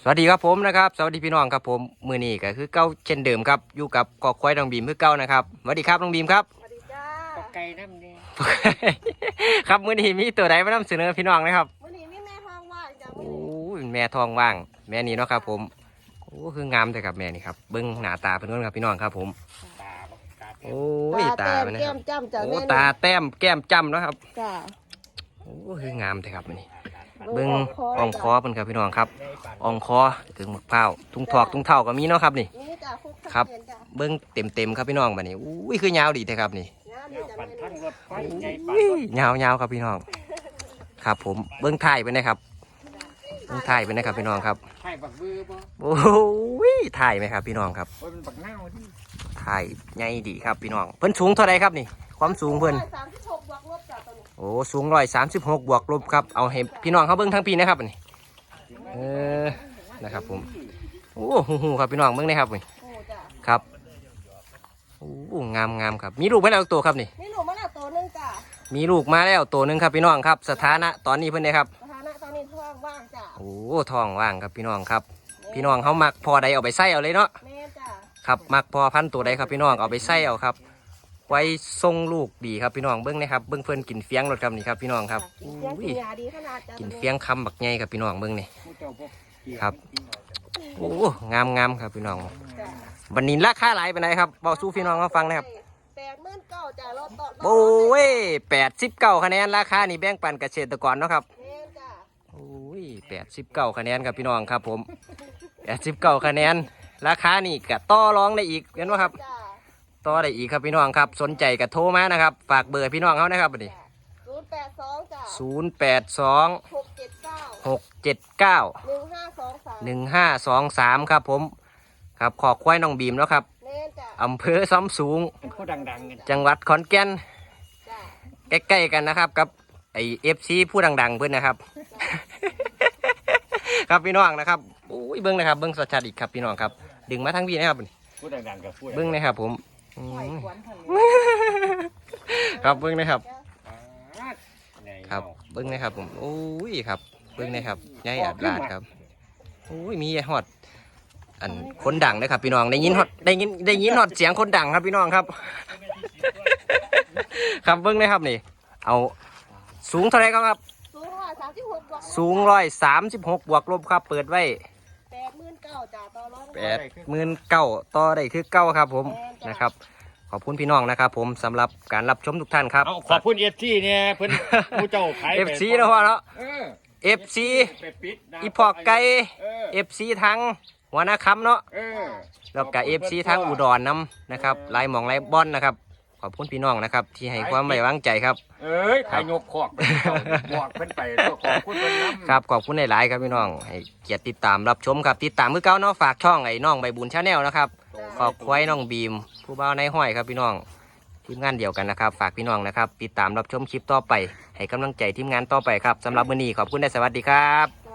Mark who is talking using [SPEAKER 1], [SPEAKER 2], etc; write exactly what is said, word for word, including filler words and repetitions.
[SPEAKER 1] วัสดีครับผมนะครับสวัสดีพี่น้องครับผมมือนี้ก็คือเก้าเช่นเดิมครับอยู่กับกอกควายน้องบีมคือเก้านะครับสวัสดีครับน้องบีมครับ
[SPEAKER 2] สวัสดีจ้า
[SPEAKER 3] ปอกไก่น้ำเนี่ย
[SPEAKER 1] ครับมือนี้มีตัวใดมานำเสนอพี่น้องนะครับ
[SPEAKER 2] วันนี้มีแม่ทองว่างจ้า
[SPEAKER 1] โอ้ยแม่ทองว่างแม่นี่เนาะครับผมโอ้คืองามแต่ครับแม่นี่ครับเบิ้งหน้าตาเป็นคนครับพี่น้องครับผม
[SPEAKER 3] ตาบอกตา
[SPEAKER 1] โอ้ยตาเป็นนะ
[SPEAKER 2] แก้
[SPEAKER 1] ครับ
[SPEAKER 2] มจ้ำจ้า
[SPEAKER 1] โอ้
[SPEAKER 2] แม่
[SPEAKER 1] ตาแต้มแก้มจ้ำเนาะครับ
[SPEAKER 2] จ้า
[SPEAKER 1] โอ้คืองามแต่ครับมื้อนี้เบิ้งอ่องคอเป็นครับพี่น้องครับอ่องคอถึงหมกเผาทุ่งถอกทุ่งเท่าก็มีเนาะครับนี่
[SPEAKER 2] นี่จ้าคุก
[SPEAKER 1] ครับ
[SPEAKER 2] เย็นจ้า
[SPEAKER 1] เบิ้งเต็มเต็มๆครับพี่น้องบัดนี้อุ้ยคือยาวดีแต่ครับนี่
[SPEAKER 2] งามดีจ้า
[SPEAKER 3] ปั่น
[SPEAKER 2] แม่
[SPEAKER 3] ทั้งรถไฟ
[SPEAKER 1] โอ้
[SPEAKER 3] ใหญ่ปั่น
[SPEAKER 1] ยยาวยาวครับพี่น้องครับผมเบิ้งถ่ายไปนะครับเบิ้งถ่ายไปนะครับพี่น้องครับ
[SPEAKER 3] ไข่บักบือบ่
[SPEAKER 1] โอ้ยถ่ายไหมครับพี่น้องครับ
[SPEAKER 3] โอ้ยมันบักเน่าที่
[SPEAKER 1] ถ่ายใหญ่ดีครับพี่น้องเพิ่นสูงเท่าไรครับนี่ความสูงเพิ่น
[SPEAKER 2] สามสิบหกบวกลบจ้าตัวนี้
[SPEAKER 1] โอ้สูงร้อยสามสิบหกบวกลบครับเอาให้พี่น้องเขาเบิ้งทั้งปีนะครับนี่เออนะครับผมโอ้โหครับพี่น้องเบิ้งนะครับนี่
[SPEAKER 2] โอ้จ้า
[SPEAKER 1] ครับโอ้งามงามครับมีลูกไหมแล้วตัวครับนี่
[SPEAKER 2] นี่หนูมาแล้วตัวหนึงจ้า
[SPEAKER 1] มีลูกมาแล้วตัวหนึ่งครับพี่น้องครับสถานะตอนนี้เพิ่นได้ครับ
[SPEAKER 2] สถานะตอนนี้ท้องว่างจ้า
[SPEAKER 1] โอ้ท้องว่างครับพี่น้องครับ พี่น้องเขามักพอใดเอาไปใส่เอาเลยเนาะ
[SPEAKER 2] แม่จ้า
[SPEAKER 1] ครับมักพอพันธุ์ตัวใดครับพี่น้องเอาไปใส่เอาครับ ไว้ทรงลูกดีครับพี่น้องเบิ้งนะครับเบิ้งเพิ่นกินเฟียงรถครับนี่ครับพี่น้องครับ
[SPEAKER 2] กินเฟี้ยงกินยาดีขนาดจ้า
[SPEAKER 1] กินเฟียงคำบักใหญ่ครับพี่น้องเบิ้งนี่
[SPEAKER 3] ผู้เจ้าพวกเกี่ยว
[SPEAKER 1] ครับ โอ้งามงามครับพี่น้อง
[SPEAKER 2] จ้า
[SPEAKER 1] วันนี้ราคาหลายไปไหนใดครับบอกสู้พี่น้องเขาฟังนะครับ
[SPEAKER 2] แปดหมื่นเก้าจ้ารถต่อ
[SPEAKER 1] โอ้ยแปดสิบเก้าคะแนนราคานี่แบ่งปันเกษตรกรเนาะครับ
[SPEAKER 2] แม่จ้า
[SPEAKER 1] โอ้ยแปดสิบเก้าคะแนนครับพี่น้องครับผมแปดสิบเก้าคะแนนราคานี่กะต่อรองได้อีกเห็นไหมครับ
[SPEAKER 2] จ้า
[SPEAKER 1] ต่อได้อีกครับพี่น้องครับสนใจกะโทรมานะครับฝากเบอร์พี่น้องเขานะครับบัดนี้
[SPEAKER 2] ศูนย์แปดสองจ้า
[SPEAKER 1] ศูนย์แปดสอง
[SPEAKER 2] หกเจ็ดเก้า
[SPEAKER 1] หกเจ็ดเก้า
[SPEAKER 2] หนึ่งห้าสองสาม
[SPEAKER 1] หนึ่งห้าสองสามครับผมครับขอควายน้องบีมแล้วครับ
[SPEAKER 2] แม่จ้า
[SPEAKER 1] อำเภอซ้ำสูง
[SPEAKER 3] เป็นผู้ดังๆกัน
[SPEAKER 1] จังหวัดขอนแก่น
[SPEAKER 2] จ้า
[SPEAKER 1] ใกล้ๆกันนะครับกับไอเอฟซีผู้ดังๆเพื่อนนะครับ ครับพี่น้องนะครับอุ้ยเบิ้งนะครับเบิ้งสดชัดอีกครับพี่น้องครับดึงมาทั้งพี่นะครับ
[SPEAKER 3] ผู้ดังๆกับผู้
[SPEAKER 1] เบิ้งนะครับผมอื
[SPEAKER 2] ปล่อย
[SPEAKER 1] ม
[SPEAKER 2] ขวัญทางนี้
[SPEAKER 1] ครับเบิ้งนะครับ
[SPEAKER 3] ใหญ่
[SPEAKER 1] ครับเบิ้งนะครับผมโอ้ยครับเบิ้งนะครับใหญ่อัดลาดครับโอ้ยมีฮอดอันคนดังนะครับพี่น้องได้ยินฮอดได้ยินได้ยินฮอดเสียงคนดังครับพี่น้องครับ ครับเบิ้งนะครับนี่เอาสูงเท่าไหรครับ
[SPEAKER 2] สูงร้อยสามสิบหกบวก
[SPEAKER 1] สูงร้อยสามสิบหกบวกลบครับเปิดไว้
[SPEAKER 2] แปดหมื่นเก้าจ้าต่อรอง
[SPEAKER 1] แปดหมื่นเก้าต่อได้คือเก้าครับผมนะครับขอบคุณพี่น้องนะครับผมสำหรับการรับชมทุกท่านครับ
[SPEAKER 3] เอาขอบคุณเอฟซีเนี่ยเพิ่นผู้เจ้าขาย
[SPEAKER 1] เอฟซีนะพ่อเนาะ
[SPEAKER 3] เออ
[SPEAKER 1] เอฟซี
[SPEAKER 3] ไปปิดนะ
[SPEAKER 1] อีพอกไก่
[SPEAKER 3] เออ
[SPEAKER 1] เอฟซีทั้งหัวหน้าคำเนาะ
[SPEAKER 3] เออ
[SPEAKER 1] แล้วก็เอฟซีทั้งอุดรน้ำนะครับไล่หมองไล่บอนนะครับขอบคุณพี่น้องนะครับที่ให้ความไว้วางใจครับ
[SPEAKER 3] เอ้ยขายยกขอกไปบอกเพิ่นไปขอบคุณเพิ่นนำ
[SPEAKER 1] ครับขอบคุณหลายๆครับพี่น้องให้เกียรติติดตามรับชมครับติดตามมือเก้าเนาะฝากช่องไอ้น้องใบบุญชาแนลนะครับขอบควายน้องบีม ผู้บ่าวในห้อยครับพี่น้องทีมงานเดียวกันนะครับฝากพี่น้องนะครับติดตามรับชมคลิปต่อไปให้กำลังใจทีมงานต่อไปครับสำหรับมื้อนี้ขอบคุณและสวัสดีครับ